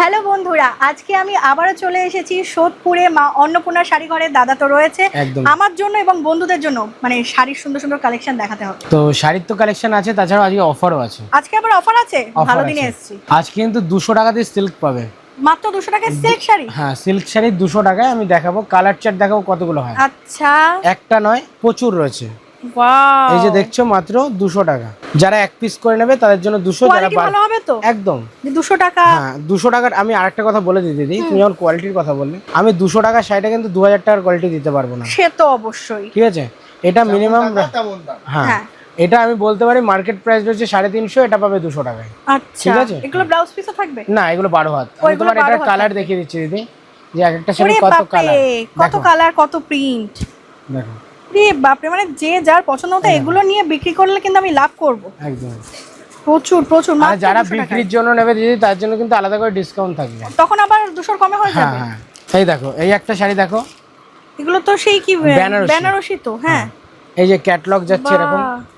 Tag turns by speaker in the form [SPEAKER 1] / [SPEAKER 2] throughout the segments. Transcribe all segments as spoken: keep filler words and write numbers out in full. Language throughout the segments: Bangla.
[SPEAKER 1] হ্যালো বন্ধুরা, আজকে আমি আবারও চলে এসেছি সোদপুরে মা অন্নপূর্ণা শাড়ি ঘরে। দাদা তো রয়েছে আমার জন্য এবং বন্ধুদের জন্য, মানে শাড়ির সুন্দর সুন্দর কালেকশন দেখাতে হবে।
[SPEAKER 2] তো শাড়ির তো কালেকশন আছে, তাছাড়া আজকে অফারও আছে।
[SPEAKER 1] আজকে আবার অফার আছে, ভালো দিনে এসেছি।
[SPEAKER 2] আজকে কিন্তু দুশো টাকাতে সিল্ক পাবে,
[SPEAKER 1] মাত্র দুশো টাকায় সিল্ক শাড়ি।
[SPEAKER 2] হ্যাঁ, সিল্ক শাড়ি দুশো টাকায় আমি দেখাবো। কালার চার্ট দেখাবো কতগুলো হয়।
[SPEAKER 1] আচ্ছা,
[SPEAKER 2] একটা নয়, প্রচুর রয়েছে।
[SPEAKER 1] ওয়াও,
[SPEAKER 2] এই যে দেখছো মাত্র দুশো টাকা। যারা এক পিস করে নেবে তাদের জন্য দুশো, যারা
[SPEAKER 1] ভালো হবে তো
[SPEAKER 2] একদম
[SPEAKER 1] দুশো টাকা।
[SPEAKER 2] হ্যাঁ, দুশো টাকার আমি আরেকটা কথা বলে দিই দিদি, তুমি যখন কোয়ালিটির কথা বললে, আমি দুশো টাকার শাড়িটা কিন্তু দু হাজার টাকার কোয়ালিটি দিতে পারবো না।
[SPEAKER 1] সে তো অবশ্যই,
[SPEAKER 2] ঠিক আছে, এটা মিনিমাম। হ্যাঁ, এটা আমি বলতে পারি মার্কেট প্রাইস রয়েছে সাড়ে তিনশো, এটা পাবে দুশো টাকায়।
[SPEAKER 1] আচ্ছা, ঠিক আছে। এগুলো ব্লাউজ পিসও থাকবে না?
[SPEAKER 2] এগুলো বারো হাত। আমি তোমার এটা কালার দেখিয়ে দিচ্ছি দিদি, যে এক একটা শাড়ি কত কালার,
[SPEAKER 1] কত কালার, কত প্রিন্ট।
[SPEAKER 2] দেখো
[SPEAKER 1] রে বাপরে, মানে যে যার পছন্দ মতো এগুলো নিয়ে বিক্রি করলে কিন্তু আমি লাভ করব একদম। প্রচুর প্রচুর।
[SPEAKER 2] আর যারা বিক্রির জন্য নেবে দিদি, তার জন্য কিন্তু আলাদা করে ডিসকাউন্ট থাকবে,
[SPEAKER 1] তখন আবার দুশোর কমে হয়ে যাবে।
[SPEAKER 2] হ্যাঁ, এই দেখো এই একটা শাড়ি দেখো,
[SPEAKER 1] এগুলো তো সেই কি বেনারসি তো। হ্যাঁ,
[SPEAKER 2] এই যে ক্যাটালগ যাচ্ছে এরকম।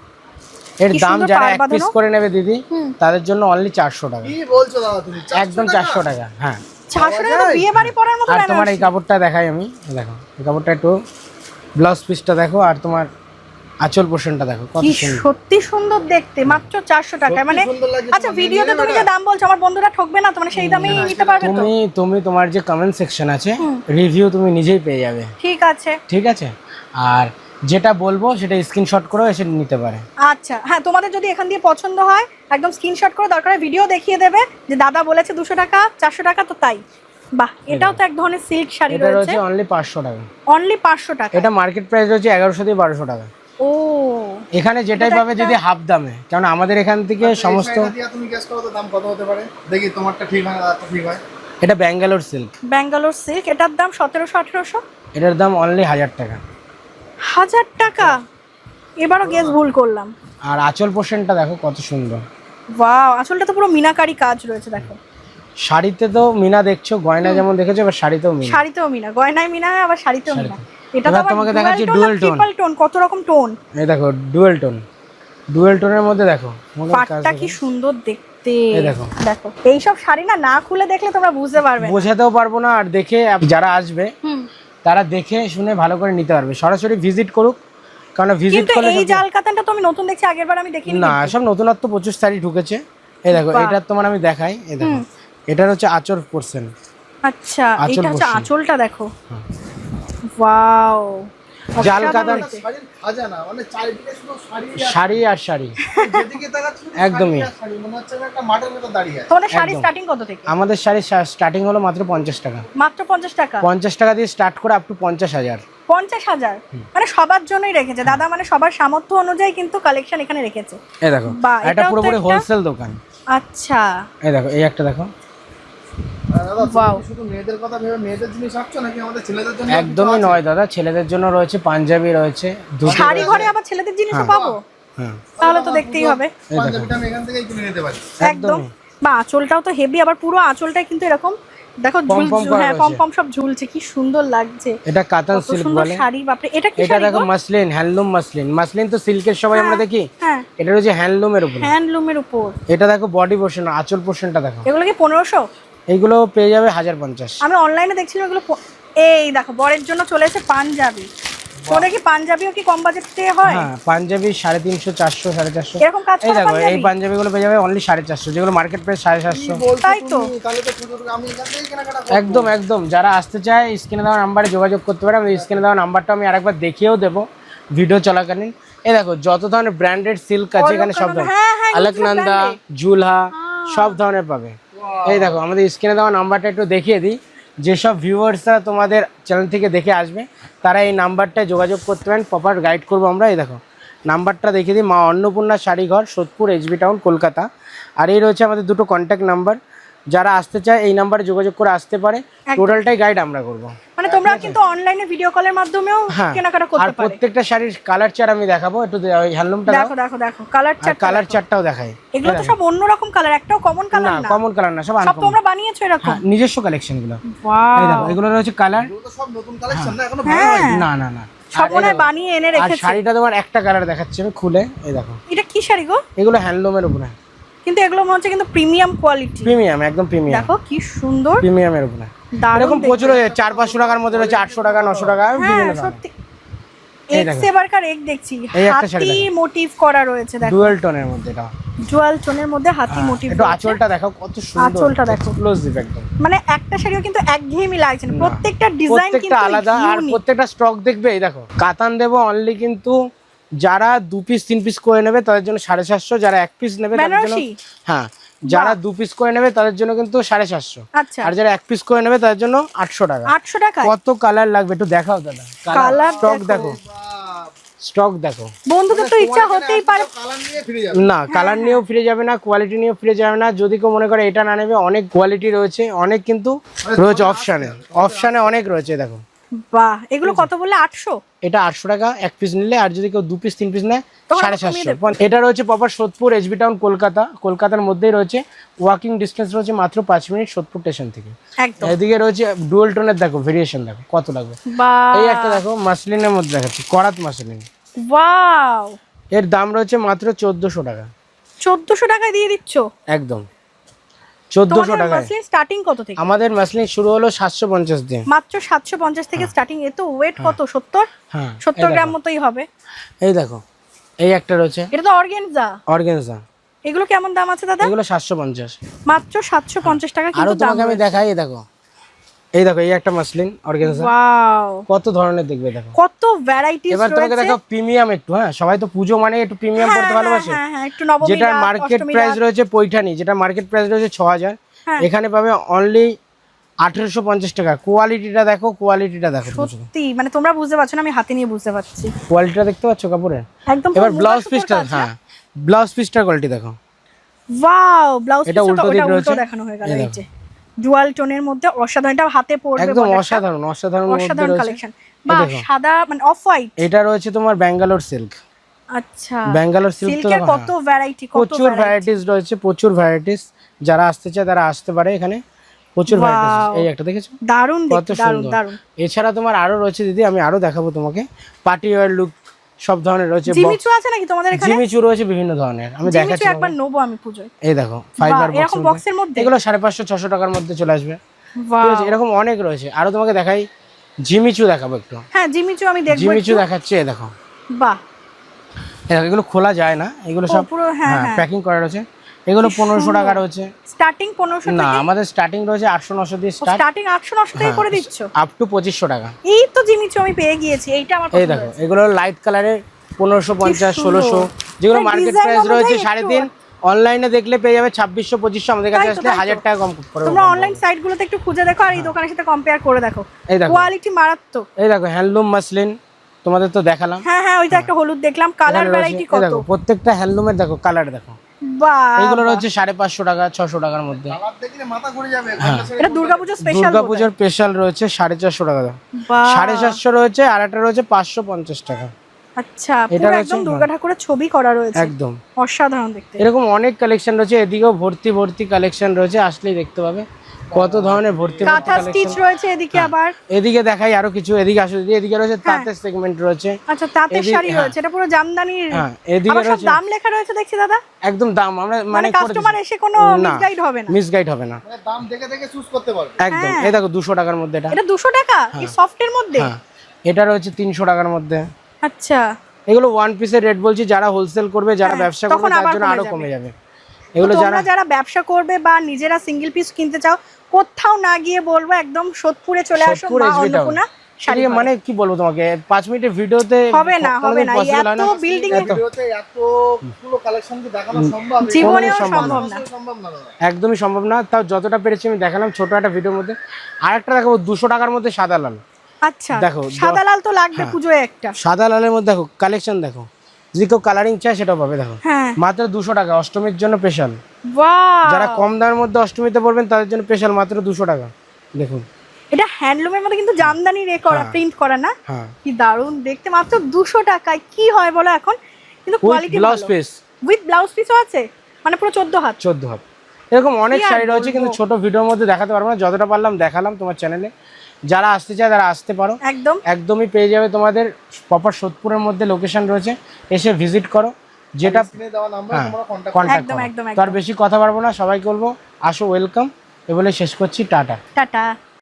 [SPEAKER 2] এর দাম যারা এক পিস করে নেবে দিদি, তাদের জন্য অনলি চারশো টাকা।
[SPEAKER 3] কি বলছো দাদা তুমি?
[SPEAKER 2] একদম চারশো টাকা। হ্যাঁ,
[SPEAKER 1] চারশো টাকা তো বিয়ে বাড়ি পরার মতো।
[SPEAKER 2] আর তোমার এই কাপড়টা দেখাই আমি, দেখো এই কাপড়টা একটু, ব্লাউজ পিসটা দেখো, আর তোমার আঁচল পোর্শনটা দেখো, কত সুন্দর,
[SPEAKER 1] সত্যি সুন্দর দেখতে। মাত্র চারশো টাকা। মানে আচ্ছা, ভিডিওতে তুমি যে দাম বলছো আমার বন্ধুরা ঠকবে না তো? মানে সেই দামেই নিতে পারবে তো?
[SPEAKER 2] তুমি তুমি তোমার যে কমেন্ট সেকশন আছে, রিভিউ তুমি নিজেই পেয়ে যাবে।
[SPEAKER 1] ঠিক আছে,
[SPEAKER 2] ঠিক আছে। আর যেটা বলবো সেটা স্ক্রিনশট করেও এসে নিতে পারে।
[SPEAKER 1] আচ্ছা, হ্যাঁ, তোমাদের যদি এখান দিয়ে পছন্দ হয় একদম স্ক্রিনশট করে, দরকার ভিডিও দেখিয়ে দেবে যে দাদা বলেছে দুশো টাকা, চারশো টাকা, তো তাই। বাহ, এটাও তো এক ধরনের সিল্ক শাড়ি রয়েছে।
[SPEAKER 2] এটা রয়েছে অনলি পাঁচশো টাকা।
[SPEAKER 1] অনলি পাঁচশো টাকা।
[SPEAKER 2] এটা মার্কেট প্রাইস রয়েছে এগারোশো থেকে বারোশো টাকা।
[SPEAKER 1] ও,
[SPEAKER 2] এখানে যেটাই পাবে যদি হাফ দামে, কারণ আমাদের এখান থেকে সমস্ত।
[SPEAKER 3] তুমি গেস করো তো দাম কত হতে পারে, দেখি তোমারটা ঠিক হয় না ঠিক হয়।
[SPEAKER 2] এটা ব্যাঙ্গালোর সিল্ক।
[SPEAKER 1] ব্যাঙ্গালোর সিল্ক, এটার দাম সতেরোশো আঠেরোশো।
[SPEAKER 2] এটার দাম অনলি হাজার টাকা।
[SPEAKER 1] হাজার টাকা? এবারও গেস ভুল করলাম।
[SPEAKER 2] আর আঁচল পোর্শনটা দেখো কত সুন্দর।
[SPEAKER 1] ওয়াও, আঁচলটা তো পুরো মিনাকারি কাজ রয়েছে। দেখো
[SPEAKER 2] শাড়িতে তো মিনা দেখছো, গয়না যেমন দেখেছো, এবার শাড়িতেও মিনা।
[SPEAKER 1] শাড়িতেও মিনা, গয়নায় মিনা, আবার শাড়িতেও মিনা। এটা তো
[SPEAKER 2] তোমাকে দেখাচ্ছি ডুয়াল টোন।
[SPEAKER 1] ট্রিপল টোন, কত রকম টোন।
[SPEAKER 2] এই দেখো ডুয়াল টোন, ডুয়াল টোনের মধ্যে দেখো
[SPEAKER 1] পাটটা কি সুন্দর দেখতে। এই দেখো দেখো, এই সব শাড়ি না না খুলে দেখলে তোমরা বুঝতে পারবে না,
[SPEAKER 2] বোঝাতেও পারবো না। আর দেখে যারা আসবে তারা দেখে শুনে ভালো করে নিতে পারবে। সরাসরি ভিজিট করুক, কারণ ভিজিট করলে।
[SPEAKER 1] এই জাল কাতানটা তো আমি নতুন দেখছি, আগেরবার আমি দেখিনি।
[SPEAKER 2] না, সব নতুনত্ব প্রচুর শাড়ি ঢুকেছে। এই দেখো, এটা তোমার আমি দেখাই। এই দেখো, এটার হচ্ছে আঁচল পোর্শন।
[SPEAKER 1] আচ্ছা, এটা হচ্ছে আঁচলটা দেখো। ওয়াও,
[SPEAKER 2] জাল কাতান
[SPEAKER 3] খাজানা, মানে চারিদিকে শুধু শাড়ি
[SPEAKER 2] শাড়ি আর শাড়ি।
[SPEAKER 3] যেদিকে তাকাচ্ছ
[SPEAKER 2] একদমই
[SPEAKER 3] শাড়ি, মনে হচ্ছে একটা মাঠের মতো দাঁড়িয়ে আছে।
[SPEAKER 1] তোমাদের শাড়ি স্টার্টিং কত থেকে?
[SPEAKER 2] আমাদের শাড়ি স্টার্টিং হলো মাত্র পঞ্চাশ টাকা।
[SPEAKER 1] মাত্র পঞ্চাশ টাকা?
[SPEAKER 2] পঞ্চাশ টাকা দিয়ে স্টার্ট করে আপ টু পঞ্চাশ হাজার।
[SPEAKER 1] পঞ্চাশ হাজার মানে সবার জন্যই রেখেছে দাদা, মানে সবার সামর্থ্য অনুযায়ী কিন্তু কালেকশন এখানে রেখেছে।
[SPEAKER 2] এই দেখো, এটা পুরোপুরি হোলসেল দোকান।
[SPEAKER 1] আচ্ছা,
[SPEAKER 2] এই দেখো এই একটা দেখো।
[SPEAKER 3] ওয়াও, শুধু মেয়েদের কথা ভেবে মেয়েদের জিনিস রাখছো নাকি আমাদের ছেলেদের জন্য?
[SPEAKER 2] একদমই নয় দাদা, ছেলেদের জন্য রয়েছে, পাঞ্জাবি রয়েছে।
[SPEAKER 1] শাড়ি ঘরে আবার ছেলেদের জিনিসও পাবো?
[SPEAKER 2] হ্যাঁ,
[SPEAKER 1] তাহলে তো দেখতেই হবে।
[SPEAKER 3] পাঞ্জাবিটা আমি এখান থেকেই কিনে নিতে পারি
[SPEAKER 1] একদম। বা আঁচলটাও তো হেভি, আবার পুরো আঁচলটাই কিন্তু এরকম দেখো, ঝুল, হ্যাঁ, পম পম সব ঝুলছে, কি সুন্দর লাগছে।
[SPEAKER 2] এটা কাতান সিল্ক বলে
[SPEAKER 1] শাড়ি। বাপরে, এটা কি শাড়ি?
[SPEAKER 2] এটা দেখো মাসলিন, হ্যান্ডলুম মাসলিন। মাসলিন তো সিল্কের সবাই আমরা দেখি,
[SPEAKER 1] হ্যাঁ,
[SPEAKER 2] এটা হচ্ছে হ্যান্ডলুমের উপর।
[SPEAKER 1] হ্যান্ডলুমের উপর।
[SPEAKER 2] এটা দেখো বডি পোর্শন, আঁচল পোর্শনটা দেখো।
[SPEAKER 1] এগুলো কি পনেরোশো?
[SPEAKER 2] এইগুলো পেয়ে যাবে হাজার পঞ্চাশ।
[SPEAKER 1] আমি অনলাইনে দেখছিলাম এগুলো। এই দেখো, বরের জন্য চলে এসে পাঞ্জাবি। তোদের কি পাঞ্জাবিও কি কম বাজেটে হয়?
[SPEAKER 2] হ্যাঁ, পাঞ্জাবি সাড়ে তিনশো, চারশো, সাড়ে চারশো
[SPEAKER 1] এরকম কাজ করে।
[SPEAKER 2] এই দেখো এই পাঞ্জাবিগুলো পেয়ে যাবে অনলি সাড়ে চারশো, যেগুলো মার্কেট প্রাইস সাড়ে সাতশো।
[SPEAKER 1] তাই তো,
[SPEAKER 3] তাহলে তো শুধু আমি এখান থেকেই কেনাকাটা করব।
[SPEAKER 2] একদম একদম। যারা আসতে চায় স্ক্রিনে দেওয়া নাম্বারে যোগাযোগ করতে পারে। আমি স্ক্রিনে দেওয়া নাম্বারটা আমি আরেকবার দেখিয়েও দেবো ভিডিও চলাকালীন। এই দেখো যত ধরনের ব্র্যান্ডেড সিল্ক আছে এখানে, সব ধরনের, আলেকনন্দা, ঝুলহা, সব ধরনের পাবে। এই দেখো আমাদের স্ক্রিনে দেওয়া নাম্বারটা একটু দেখিয়ে দিই। যেসব ভিউয়ার্সরা তোমাদের চ্যানেল থেকে দেখে আসবে তারা এই নাম্বারটায় যোগাযোগ করতে পারেন, প্রপার গাইড করবো আমরা। এই দেখো নাম্বারটা দেখিয়ে দিই, মা অন্নপূর্ণা শাড়িঘর, সোদপুর, এইচবি টাউন, কলকাতা। আর এই রয়েছে আমাদের দুটো কন্ট্যাক্ট নাম্বার। যারা আসতে চায় এই নাম্বারে যোগাযোগ করে আসতে পারে। টোটালটাই গাইড আমরা করব।
[SPEAKER 1] মানে তোমরা কিন্তু অনলাইনে ভিডিও কলের মাধ্যমেও কেনাকাটা করতে পারো।
[SPEAKER 2] আর প্রত্যেকটা শাড়ির কালার চার্ট আমি দেখাবো। একটু ওই হ্যান্ডলুমটা
[SPEAKER 1] দেখো দেখো দেখো, কালার চার্ট,
[SPEAKER 2] কালার চার্টটাও দেখাই।
[SPEAKER 1] এগুলো তো সব অন্য রকম কালার, একটাও কমন কালার না।
[SPEAKER 2] না, কমন কালার না, সব
[SPEAKER 1] সব তোমরা বানিয়েছো এরকম?
[SPEAKER 2] হ্যাঁ, নিজস্ব কালেকশন গুলো।
[SPEAKER 1] ওয়াও,
[SPEAKER 2] এই দেখো এগুলো রয়েছে কালার।
[SPEAKER 3] এগুলো তো সব নতুন কালেকশন না, এখনো ভালো হয়নি।
[SPEAKER 2] না না না,
[SPEAKER 1] সব মনে হয় বানিয়ে এনে রেখেছে।
[SPEAKER 2] আর শাড়িটা তোমার একটা কালার দেখাচ্ছি আমি খুলে। এই দেখো,
[SPEAKER 1] এটা কি শাড়ি গো?
[SPEAKER 2] এগুলো হ্যান্ডলুমের উপরে।
[SPEAKER 1] কিন্তু এগুলো মনে হচ্ছে কিন্তু প্রিমিয়াম কোয়ালিটি,
[SPEAKER 2] প্রিমিয়াম একদম প্রিমিয়াম,
[SPEAKER 1] দেখো কি সুন্দর
[SPEAKER 2] প্রিমিয়ামের উপরে এরকম প্রচুর চার পাঁচশো টাকার মধ্যে রয়েছে, আটশো টাকা নশো টাকা বিভিন্ন দাম।
[SPEAKER 1] সত্যি এক্স এবারকার এক দেখছি হাতি মোটিভ করা রয়েছে, দেখো
[SPEAKER 2] ডুয়াল টোনের মধ্যে, এটা
[SPEAKER 1] ডুয়াল টোনের মধ্যে হাতি মোটিভ।
[SPEAKER 2] একটু আঁচলটা দেখো কত সুন্দর,
[SPEAKER 1] আঁচলটা দেখো
[SPEAKER 2] এক্সক্লুসিভ একদম,
[SPEAKER 1] মানে একটা শাড়িও কিন্তু একঘেয়েমি লাগছে না, প্রত্যেকটা ডিজাইন কিন্তু
[SPEAKER 2] আলাদা আর প্রত্যেকটা স্টক দেখবে। এই দেখো কাতান দেবো অনলি, কিন্তু যারা দু পিস তিন পিস করে নেবে তাদের জন্য সাড়ে সাতশো, যারা এক পিস নেবে তাদের জন্য, হ্যাঁ যারা দু পিস করে নেবে তাদের জন্য কিন্তু সাড়ে সাতশো, আর যারা এক পিস করে নেবে তাদের জন্য আটশো টাকা।
[SPEAKER 1] আটশো টাকা
[SPEAKER 2] কত কালার লাগবে একটু দেখাও দাদা, কালার স্টক দেখো, স্টক দেখো
[SPEAKER 1] বন্ধুদের তো ইচ্ছা হতেই পারে,
[SPEAKER 2] না কালার নিয়েও ফিরে যাবে না, কোয়ালিটি নিয়েও ফিরে যাবে না। যদি কেউ মনে করে এটা না নেবে, অনেক কোয়ালিটি রয়েছে, অনেক কিন্তু রয়েছে অপশানে, অপশানে অনেক রয়েছে দেখো।
[SPEAKER 1] বাহ, এগুলো কত বললে? আটশো?
[SPEAKER 2] এটা আটশো টাকা এক পিস নিলে, আর যদি কেউ দু পিস তিন পিস নেয় সাড়ে সাতশো। এটা রয়েছে proper Sodepur SB town Kolkata, কলকাতার মধ্যেই রয়েছে, ওয়াকিং ডিস্টেন্স রয়েছে মাত্র পাঁচ মিনিট সোদপুর স্টেশন থেকে। এদিকে রয়েছে ডুয়াল টোনের, দেখো ভেরিয়েশন দেখো কত লাগবে। এই একটা দেখো মাসলিনের মধ্যে দেখাচ্ছি, করাত মাসলিন,
[SPEAKER 1] ওয়াও,
[SPEAKER 2] এর দাম রয়েছে মাত্র চোদ্দশো টাকা।
[SPEAKER 1] চোদ্দশো টাকায় দিয়ে দিচ্ছ?
[SPEAKER 2] একদম চোদ্দশো টাকা।
[SPEAKER 1] স্টার্টিং কত থেকে?
[SPEAKER 2] আমাদের মাসলিন শুরু হলো সাতশো পঞ্চাশ দিয়ে,
[SPEAKER 1] মাত্র সাতশো পঞ্চাশ থেকে স্টার্টিং। এ তো ওয়েট কত? সত্তর?
[SPEAKER 2] হ্যাঁ
[SPEAKER 1] সত্তর গ্রাম মতোই হবে।
[SPEAKER 2] এই দেখো এই একটা রয়েছে,
[SPEAKER 1] এটা তো অর্গানজা,
[SPEAKER 2] অর্গানজা।
[SPEAKER 1] এগুলো কেমন দাম আছে দাদা?
[SPEAKER 2] এগুলো সাতশো পঞ্চাশ,
[SPEAKER 1] মাত্র সাতশো পঞ্চাশ টাকা।
[SPEAKER 2] কিন্তু তোমাকে আমি দেখাই, এই দেখো এই দেখো এই একটা মাসলিন অর্গানজা,
[SPEAKER 1] ওয়াও
[SPEAKER 2] কত ধরনের দেখবে দেখো,
[SPEAKER 1] কত ভ্যারাইটিস রয়েছে।
[SPEAKER 2] এবার তোমাকে দেখো প্রিমিয়াম একটু, হ্যাঁ সবাই তো পুজো মানে একটু প্রিমিয়াম করতে ভালোবাসে,
[SPEAKER 1] হ্যাঁ হ্যাঁ একটু নবমী,
[SPEAKER 2] যেটা মার্কেট প্রাইস রয়েছে পৈঠানি, যেটা মার্কেট প্রাইস রয়েছে ছ হাজার, এখানে পাবে অনলি আঠারোশো পঞ্চাশ টাকা। কোয়ালিটিটা দেখো, কোয়ালিটিটা দেখো,
[SPEAKER 1] সত্যি মানে তোমরা বুঝতে পারছো না, আমি হাতে নিয়ে বুঝতে পারছি
[SPEAKER 2] কোয়ালিটিটা দেখতে পাচ্ছ কাপড়ের
[SPEAKER 1] একদম।
[SPEAKER 2] এবার ব্লাউজ পিসটা, হ্যাঁ ব্লাউজ পিসটার কোয়ালিটি দেখো,
[SPEAKER 1] ওয়াও ব্লাউজ পিসটা
[SPEAKER 2] এটা উল্টো দিক রয়েছে,
[SPEAKER 1] দেখানো হয়ে গেল। এই যে ডুয়াল টোনের মধ্যে অসাধারণ, এটা হাতে পরবে
[SPEAKER 2] একদম অসাধারণ, অসাধারণ
[SPEAKER 1] অসাধারণ কালেকশন। বাহ, সাদা মানে অফ হোয়াইট,
[SPEAKER 2] এটা রয়েছে তোমার ব্যাঙ্গালোর সিল্ক।
[SPEAKER 1] আচ্ছা,
[SPEAKER 2] ব্যাঙ্গালোর সিল্ক তো
[SPEAKER 1] কত ভ্যারাইটি, কত
[SPEAKER 2] প্রচুর ভ্যারাইটিস রয়েছে, প্রচুর ভ্যারাইটিস। যারা আসতে চায় তারা আসতে পারে, এখানে প্রচুর ভ্যারাইটিস। এই একটা দেখেছো,
[SPEAKER 1] দারুণ
[SPEAKER 2] কত সুন্দর। এছাড়া তোমার আরো রয়েছে দিদি, আমি আরো দেখাবো তোমাকে, পার্টি ওয়্যার লুক সব ধরনের রয়েছে।
[SPEAKER 1] জিমিচু আছে নাকি তোমাদের এখানে?
[SPEAKER 2] জিমিচু রয়েছে বিভিন্ন ধরনের, আমি দেখাচ্ছি,
[SPEAKER 1] একবার নেবো আমি পূজোয়।
[SPEAKER 2] এই দেখো ফাইবার
[SPEAKER 1] এরকম বক্সের মধ্যে,
[SPEAKER 2] এগুলো সাড়ে পাঁচশো ছশো টাকার মধ্যে চলে আসবে। ঠিক আছে, এরকম অনেক রয়েছে। আরো তোমাকে দেখাই, জিমিচু দেখাবো একটু।
[SPEAKER 1] হ্যাঁ জিমিচু আমি দেখবো,
[SPEAKER 2] জিমিচু দেখাচ্ছি, এই দেখো।
[SPEAKER 1] বাহ,
[SPEAKER 2] এগুলো খোলা যায় না, এগুলো সব
[SPEAKER 1] পুরো হ্যাঁ
[SPEAKER 2] প্যাকিং করা রয়েছে। এগুলো পনেরোশো টাকা রয়েছে
[SPEAKER 1] স্টার্টিং। পনেরোশো
[SPEAKER 2] না, আমাদের স্টার্টিং রয়েছে আটশো নশো দিয়ে স্টার্ট,
[SPEAKER 1] স্টার্টিং আটশো নশো থেকে করে দিচ্ছ
[SPEAKER 2] আপ টু পঁচিশশো টাকা।
[SPEAKER 1] এই তো জিমিচু আমি পেয়ে গিয়েছি, এইটা আমার
[SPEAKER 2] এই দেখো, এগুলো লাইট কালারের পনেরোশো পঞ্চাশ ষোলোশো, যেগুলো মার্কেট প্রাইস রয়েছে সাড়ে তিন, অনলাইনে দেখলে পেয়ে যাবে ছাব্বিশশো পঁচিশশো, আমাদের কাছে আসলে হাজার টাকা কম করে।
[SPEAKER 1] তোমরা অনলাইন সাইট গুলোতে একটু খুঁজে দেখো, আর এই দোকানের সাথে কম্পেয়ার করে দেখো,
[SPEAKER 2] এই দেখো
[SPEAKER 1] কোয়ালিটি মারাত্মক।
[SPEAKER 2] এই দেখো হ্যান্ডলুম মাসলিন, তোমাদের তো দেখালাম।
[SPEAKER 1] হ্যাঁ হ্যাঁ ওইটা একটা হলুদ দেখলাম, কালার ভ্যারাইটি কত
[SPEAKER 2] দেখো, প্রত্যেকটা হ্যান্ডলুমের দেখো কালার দেখো।
[SPEAKER 1] বাহ,
[SPEAKER 2] এগুলো রয়েছে সাড়ে পাঁচশো টাকা ছশো টাকার মধ্যে।
[SPEAKER 1] এটা দুর্গাপূজা স্পেশাল,
[SPEAKER 2] দুর্গাপূজার স্পেশাল রয়েছে সাড়ে চারশো টাকা, সাড়ে চারশো রয়েছে, আর একটা রয়েছে পাঁচশো পঞ্চাশ টাকা।
[SPEAKER 1] আচ্ছা, পুরো একদম দুর্গা ঠাকুরের ছবি করা রয়েছে,
[SPEAKER 2] একদম
[SPEAKER 1] অসাধারণ দেখতে।
[SPEAKER 2] এরকম অনেক কালেকশন রয়েছে, এদিকেও ভর্তি ভর্তি কালেকশন রয়েছে, আসলেই দেখতে পাবে কত ধরনের ভর্তি ভর্তি
[SPEAKER 1] কাঁথা স্টিচ রয়েছে এদিকে। আবার
[SPEAKER 2] এদিকে দেখাই আরো কিছু, এদিকে আসো দিদি, এদিকে রয়েছে তাঁতের সেগমেন্ট রয়েছে।
[SPEAKER 1] আচ্ছা, তাঁতের শাড়ি রয়েছে, এটা পুরো জামদানির।
[SPEAKER 2] হ্যাঁ, এদিকে রয়েছে,
[SPEAKER 1] দাম লেখা রয়েছে দেখছি দাদা,
[SPEAKER 2] একদম দাম আমরা মানে
[SPEAKER 1] কাস্টমার এসে কোনো মিসগাইড হবে না,
[SPEAKER 2] মিসগাইড হবে না,
[SPEAKER 3] মানে দাম দেখে দেখে চুজ করতে পারবে
[SPEAKER 2] একদম। এই দেখো দুশো টাকার মধ্যে, এটা
[SPEAKER 1] এটা দুশো টাকা এই সফটের মধ্যে।
[SPEAKER 2] হ্যাঁ, এটা রয়েছে তিনশো টাকার মধ্যে।
[SPEAKER 1] আচ্ছা,
[SPEAKER 2] এগুলো ওয়ান পিসের রেট বলছি, যারা হোলসেল করবে, যারা ব্যবসা করবে তার জন্য আরো কমে যাবে। এগুলো যারা
[SPEAKER 1] যারা ব্যবসা করবে বা নিজেরা সিঙ্গেল পিস কিনতে চাও, কোথাও না গিয়ে বলবো একদম সোদপুরে চলে আসো, মা অন্নপূর্ণা শাড়ি।
[SPEAKER 2] মানে কি বলবো তোমাকে, পাঁচ মিনিটের ভিডিওতে
[SPEAKER 1] হবে না, হবে না, এত বিল্ডিং এ
[SPEAKER 3] ভিডিওতে এত পুরো কালেকশন কি দেখানো সম্ভব?
[SPEAKER 1] জীবনেও সম্ভব না,
[SPEAKER 3] সম্ভব না,
[SPEAKER 2] একদমই সম্ভব না। তাও যতটা পেরেছি আমি দেখালাম ছোট একটা ভিডিওর মধ্যে। আরেকটা দেখাবো দুশো টাকার মধ্যে সাদা লাল।
[SPEAKER 1] আচ্ছা, দেখো সাদা লাল তো লাগবে পুজোয় একটা।
[SPEAKER 2] সাদা লালের মধ্যে দেখো কালেকশন দেখো, যদি কেউ কালারিং চায় সেটাও পাবে। দেখো মাত্র দুশো টাকা, অষ্টমীর জন্য স্পেশাল। যারা কম দামের মধ্যে অষ্টমীতে পড়বেন তাদের জন্য স্পেশাল, মাত্র দুশো টাকা। দেখুন
[SPEAKER 1] এটা হ্যান্ডলুমের মধ্যে কিন্তু জামদানি রে করা, প্রিন্ট করা না, কি দারুণ দেখতে, মাত্র দুশো টাকায়। কি হয় বলো এখন, কিন্তু quality
[SPEAKER 2] blouse piece
[SPEAKER 1] with blouse পিসও আছে, মানে পুরো চোদ্দ হাত
[SPEAKER 2] চোদ্দ হাত এরকম অনেক শাড়ি রয়েছে, কিন্তু ছোট ভিডিওর মধ্যে দেখাতে পারবো না, যতটা পারলাম দেখালাম তোমার চ্যানেলে। যারা আসতে চায় তারা আসতে পারো, একদম একদমই পেয়ে যাবে। তোমাদের প্রপার সোদপুরের মধ্যে লোকেশন রয়েছে, এসে ভিজিট করো, যেটা
[SPEAKER 3] স্ক্রিনে দেওয়া নাম্বারে
[SPEAKER 2] হ্যাঁ
[SPEAKER 3] তোমরা কন্টাক্ট
[SPEAKER 2] কন্ট্যাক্ট
[SPEAKER 1] একদম,
[SPEAKER 2] করো।
[SPEAKER 1] একদম,
[SPEAKER 2] তো আর
[SPEAKER 1] একদম।
[SPEAKER 2] বেশি কথা পারবো না, সবাইকে বলবো আসো, ওয়েলকাম, এ বলে শেষ করছি, টাটা।
[SPEAKER 1] টাটা।